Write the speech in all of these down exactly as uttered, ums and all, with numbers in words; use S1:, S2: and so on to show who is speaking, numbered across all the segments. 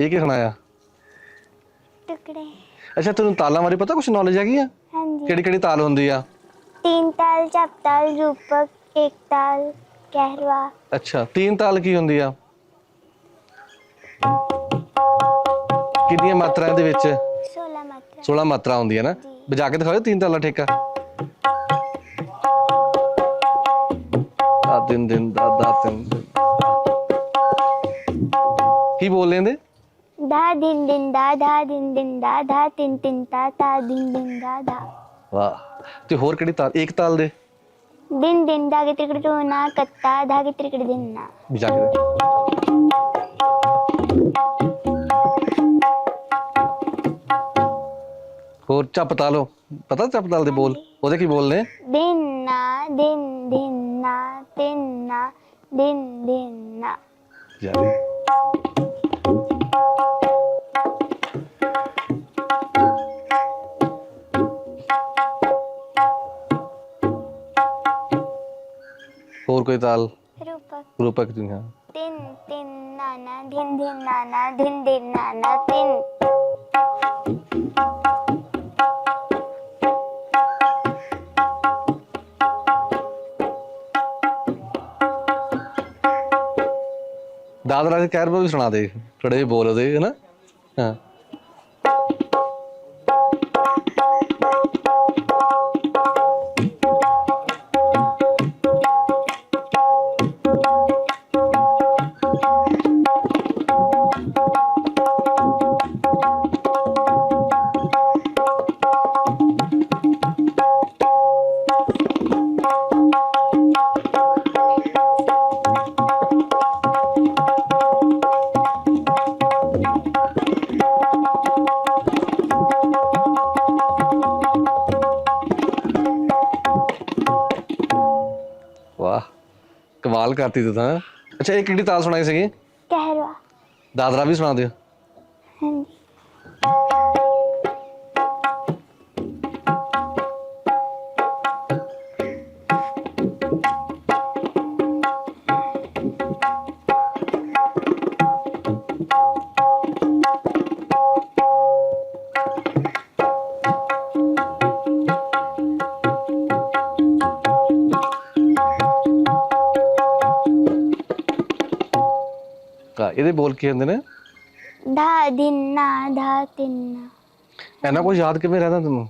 S1: ਇਹ ਕੀ ਸੁਣਾਇਆ?
S2: ਟੁਕੜੇ।
S1: ਅੱਛਾ ਤੈਨੂੰ ਤਾਲਾਂ ਬਾਰੇ ਪਤਾ ਕੁਛ ਨੌਲੇਜ ਹੈਗੀ ਆ?
S2: ਹਾਂਜੀ।
S1: ਕਿਹੜੀ ਕਿਹੜੀ ਤਾਲ ਹੁੰਦੀ ਆ?
S2: तीन ताल, चाप ताल, रूपक, एक ताल, कहरवा।
S1: ਅੱਛਾ तीन ਤਾਲ ਕੀ ਹੁੰਦੀ ਆ? ਕਿੰਨੀਆਂ ਮਾਤਰਾ ਇਹਦੇ ਵਿੱਚ?
S2: सोलह मात्रा।
S1: सोलह ਮਾਤਰਾ ਹੁੰਦੀਆਂ ਨਾ।
S2: ਜੀ।
S1: ਵਜਾ ਕੇ ਦਿਖਾਓ तीन ਤਾਲਾ ਠੇਕਾ। ਦਾ ਦਿਨ ਦਿਨ ਦਾ ਦਾ ਤਿੰਨ ਦਿਨ ਕੀ ਬੋਲ ਲੈਂਦੇ?
S2: धा दिन दिन दा धा दिन दिन दा धा तिन तिन ता ता दिन दिन दा धा।
S1: ਵਾਹ। ਤੇ ਹੋਰ ਕਿਹੜੀ ਤਾਲ? ਇੱਕ ਤਾਲ ਦੇ
S2: दिन दिन धागे त्रिकड़ टूना कत्ता धागे त्रिकड़ दिन ना।
S1: ਵਜਾ ਕੇ ਦੇ। ਹੋਰ ਚੱਪ ਤਾਲੋ ਪਤਾ? ਚੱਪ ਤਾਲ ਦੇ ਬੋਲ ਉਹਦੇ ਕੀ ਬੋਲ ਨੇ?
S2: दिन ना दिन दिन ना तिन ना दिन दिन ना।
S1: ਵਜਾ ਦੇ। ਹੋਰ ਕੋਈ ਤਾਲ?
S2: रूपक।
S1: ਰੂਪਕ ਦੀ ਹਾਂ।
S2: तिन तिन नाना धिन धिन नाना धिन धिन नाना तिन।
S1: ਦਾਦਰਾ ਦੇ ਕਹਿਰ ਵੀ ਸੁਣਾ ਦੇ ਥੋੜੇ ਜਿਹੇ ਬੋਲ ਉਹਦੇ ਹਨਾ। ਹਾਂ ਵਾਹ ਕਮਾਲ ਕਰਤੀ ਤੂੰ ਤਾਂ। ਅੱਛਾ ਇਹ ਕਿਹੜੀ ਤਾਲ ਸੁਣਾਈ ਸੀਗੀ?
S2: कहरवा।
S1: ਦਾਦਰਾ ਵੀ ਸੁਣਾ ਦਿਓ।
S2: हाँ जी।
S1: ਹਾਂ ਇਹਦੇ ਬੋਲ ਕੀ ਹੁੰਦੇ ਨੇ?
S2: धा दिन ना धा तिन ना।
S1: ਇਹਨਾਂ ਕੁਝ ਯਾਦ ਕਿਵੇਂ ਰਹਿੰਦਾ ਤੈਨੂੰ?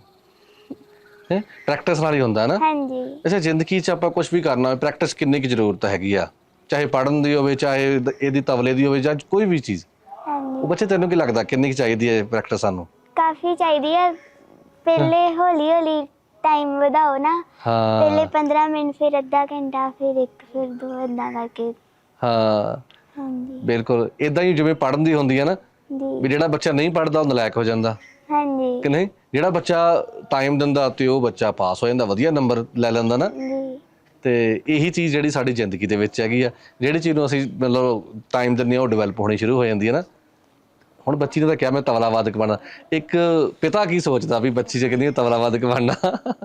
S1: ਹੈ ਪ੍ਰੈਕਟਿਸ ਨਾਲ ਹੀ ਹੁੰਦਾ ਨਾ।
S2: हाँ जी।
S1: ਅੱਛਾ ਜ਼ਿੰਦਗੀ 'ਚ ਆਪਾਂ ਕੁਝ ਵੀ ਕਰਨਾ ਹੋਵੇ ਪ੍ਰੈਕਟਿਸ ਕਿੰਨੀ ਕੁ ਜ਼ਰੂਰਤ ਹੈਗੀ ਆ? ਚਾਹੇ ਪੜ੍ਹਨ ਦੀ ਹੋਵੇ ਚਾਹੇ ਇਹਦੀ ਤਬਲੇ ਦੀ ਹੋਵੇ ਜਾਂ ਕੋਈ ਵੀ ਚੀਜ਼।
S2: हाँ
S1: ਉਹ
S2: जी।
S1: ਬੱਚੇ ਤੈਨੂੰ ਕੀ ਲੱਗਦਾ ਕਿੰਨੀ ਕੁ ਚਾਹੀਦੀ ਹੈ ਪ੍ਰੈਕਟਿਸ ਸਾਨੂੰ?
S2: काफी चाहिए है। पहले हौली हौली टाइम ਵਧਾਓ ਨਾ। ਪਹਿਲੇ
S1: ਹਾਂ
S2: पंद्रह मिनट फिर ਅੱਧਾ ਘੰਟਾ फिर ਇੱਕ फिर ਦੋ ਏਦਾਂ ਕਰਕੇ।
S1: ਹਾਂ
S2: ਹਾਂਜੀ।
S1: ਬਿਲਕੁਲ ਇਦਾਂ ਹੀ ਜਿਵੇਂ ਪੜ੍ਹਨ ਦੀ ਹੁੰਦੀ ਹੈ ਨਾ ਵੀ
S2: ਜੀ।
S1: ਜਿਹੜਾ ਬੱਚਾ ਨਹੀਂ ਪੜ੍ਹਦਾ ਉਹ ਨਲਾਇਕ ਹੋ ਜਾਂਦਾ ਕਿ
S2: ਹਾਂਜੀ।
S1: ਨਹੀਂ? ਜਿਹੜਾ ਬੱਚਾ ਟਾਈਮ ਦਿੰਦਾ ਤੇ ਉਹ ਬੱਚਾ ਪਾਸ ਹੋ ਜਾਂਦਾ ਵਧੀਆ ਨੰਬਰ ਲੈ ਲੈਂਦਾ ਨਾ।
S2: ਜੀ।
S1: ਤੇ ਇਹੀ ਚੀਜ਼ ਜਿਹੜੀ ਸਾਡੀ ਜ਼ਿੰਦਗੀ ਦੇ ਵਿੱਚ ਹੈਗੀ ਆ ਜਿਹੜੀ ਚੀਜ਼ ਨੂੰ ਅਸੀਂ ਮਤਲਬ ਟਾਈਮ ਦਿੰਦੇ ਹਾਂ ਉਹ ਡਿਵੈਲਪ ਹੋਣੀ ਸ਼ੁਰੂ ਹੋ ਜਾਂਦੀ ਹੈ ਨਾ। ਹੁਣ ਬੱਚੀ ਨੇ ਤਾਂ ਕਿਹਾ ਮੈਂ ਤਬਲਾ ਵਾਦਕ ਬਣਨਾ। ਇੱਕ ਪਿਤਾ ਕੀ ਸੋਚਦਾ ਵੀ ਬੱਚੀ ਜੇ ਕਹਿੰਦੀ ਤਬਲਾ ਵਾਦਕ ਬਣਨਾ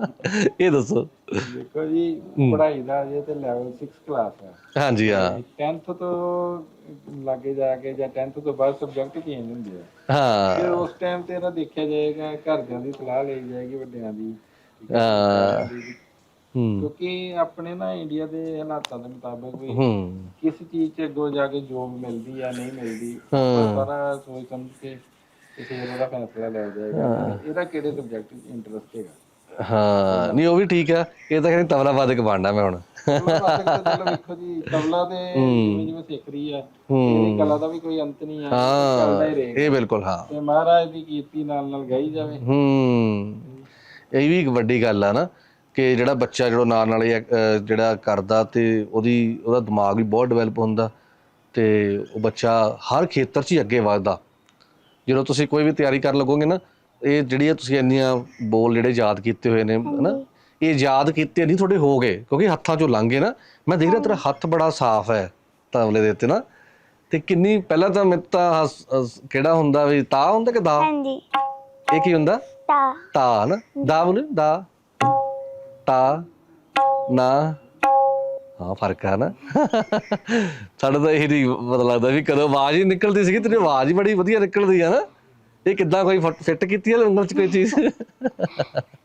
S1: ਇਹ ਦੱਸੋ।
S3: ਦੇਖੋ ਜੀ ਪੜ੍ਹਾਈ ਦਾ ਅਜੇ ਤੇ ਲੈਵਲ ਸਿਕਸ ਕਲਾਸ ਹੈ।
S1: ਹਾਂਜੀ ਹਾਂ
S3: ਟੈਂਥ ਤੋਂ ਲਾਗੇ ਜਾ ਕੇ ਜਾਂ ਟੈਂਥ ਤੋਂ ਬਾਅਦ ਸਬਜੈਕਟ ਚੇਂਜ ਹੁੰਦੇ ਆ। ਫਿਰ
S1: ਹਾਂ
S3: ਉਸ ਟਾਈਮ ਤੇ ਇਹਦਾ ਦੇਖਿਆ ਜਾਏਗਾ ਘਰਦਿਆਂ ਦੀ ਸਲਾਹ ਲਈ ਜਾਏਗੀ ਵੱਡਿਆਂ ਦੀ।
S1: ਹਾਂ ਹੂੰ
S3: ਕਿਉਂਕਿ ਆਪਣੇ ਨਾ ਇੰਡੀਆ ਦੇ ਹਾਲਾਤਾਂ ਦੇ ਮੁਤਾਬਕ ਵੀ
S1: ਹੂੰ
S3: ਕਿਸ ਚੀਜ਼ 'ਚ ਅੱਗੋਂ ਜਾ ਕੇ ਜੋਬ ਮਿਲਦੀ ਆ ਨਹੀਂ ਮਿਲਦੀ
S1: ਹਾਂ।
S3: ਸਾਰਾ ਸੋਚ ਸਮਝ ਕੇ ਤੇ ਫਿਰ ਉਹਦਾ ਫੈਸਲਾ ਲਿਆ ਜਾਏਗਾ ਇਹਦਾ ਕਿਹੜੇ ਸਬਜੈਕਟ ਇੰਟਰਸਟ ਹੈਗਾ।
S1: ਹਾਂ ਨਹੀਂ ਉਹ ਵੀ ਠੀਕ ਆ। ਇਹ ਤਾਂ ਕਹਿੰਦੀ ਤਬਲਾ ਵਾਦਕ ਬਣਨਾ ਮੈਂ ਹੁਣ।
S3: ਤਬਲਾ ਵਾਦਕ ਤੇ ਚਲੋ ਵੇਖੋ ਜੀ ਤਬਲਾ ਤੇ ਜਿਵੇਂ ਜਿਵੇਂ ਸਿੱਖ ਰਹੀ ਆ ਇਹਦੀ ਕਲਾ ਦਾ ਵੀ ਕੋਈ ਅੰਤ ਨਹੀਂ ਆ। ਚੱਲਦਾ ਹੀ
S1: ਹਾਂ
S3: ਰਹੇਗਾ
S1: ਇਹ ਬਿਲਕੁਲ ਹਾਂ।
S3: ਤੇ ਮਹਾਰਾਜ ਦੀ ਕੀਰਤੀ ਨਾਲ ਨਾਲ ਗਾਈ ਜਾਵੇ।
S1: ਹੂੰ ਇਹ ਵੀ ਇੱਕ ਵੱਡੀ ਗੱਲ ਆ ਨਾ ਕਿ ਜਿਹੜਾ ਬੱਚਾ ਜਿਹੜਾ ਨਾਲ ਨਾਲ ਇਹ ਅਹ ਜਿਹੜਾ ਕਰਦਾ ਤੇ ਉਹਦੀ ਉਹਦਾ ਦਿਮਾਗ ਵੀ ਬਹੁਤ ਡਿਵੈਲਪ ਹੁੰਦਾ ਤੇ ਉਹ ਬੱਚਾ ਹਰ ਖੇਤਰ 'ਚ ਹੀ ਅੱਗੇ ਵੱਧਦਾ। ਜਦੋਂ ਤੁਸੀਂ ਕੋਈ ਵੀ ਤਿਆਰੀ ਕਰਨ ਲੱਗੋਗੇ ਨਾ ਇਹ ਜਿਹੜੀਆਂ ਤੁਸੀਂ ਇੰਨੀਆਂ ਬੋਲ ਜਿਹੜੇ ਯਾਦ ਕੀਤੇ ਹੋਏ ਨੇ ਹਨਾ ਇਹ ਯਾਦ ਕੀਤੇ ਨਹੀਂ ਤੁਹਾਡੇ ਹੋ ਗਏ ਕਿਉਂਕਿ ਹੱਥਾਂ 'ਚੋਂ ਲੰਘ ਗਏ ਨਾ। ਮੈਂ ਦੇਖ ਰਿਹਾ ਤੇਰਾ ਹੱਥ ਬੜਾ ਸਾਫ਼ ਹੈ ਤਬਲੇ ਦੇ ਉੱਤੇ ਨਾ। ਤੇ ਕਿੰਨੀ ਪਹਿਲਾਂ ਤਾਂ ਮੇਰੇ ਤਾਂ ਕਿਹੜਾ ਹੁੰਦਾ ਵੀ ਤਾ ਹੁੰਦਾ ਕਿ ਦਾ?
S2: ਹਾਂਜੀ।
S1: ਇਹ ਕੀ ਹੁੰਦਾ?
S2: ਤਾ।
S1: ਤਾ ਨਾ ਦਾ ਬੋਲੇ ਦਾ ਤਾ ਨਾ ਹਾਂ ਫਰਕ ਆ ਨਾ। ਸਾਡਾ ਤਾਂ ਇਹ ਨਹੀਂ ਪਤਾ ਲੱਗਦਾ ਵੀ ਕਦੋਂ ਆਵਾਜ਼ ਹੀ ਨਿਕਲਦੀ ਸੀਗੀ, ਤੇਰੀ ਆਵਾਜ਼ ਹੀ ਬੜੀ ਵਧੀਆ ਨਿਕਲਦੀ ਆ ਨਾ। ਇਹ ਕਿੱਦਾਂ ਕੋਈ ਫਿੱਟ ਕੀਤੀ ਆ ਉਂਗਲ 'ਚ ਕੋਈ ਚੀਜ਼?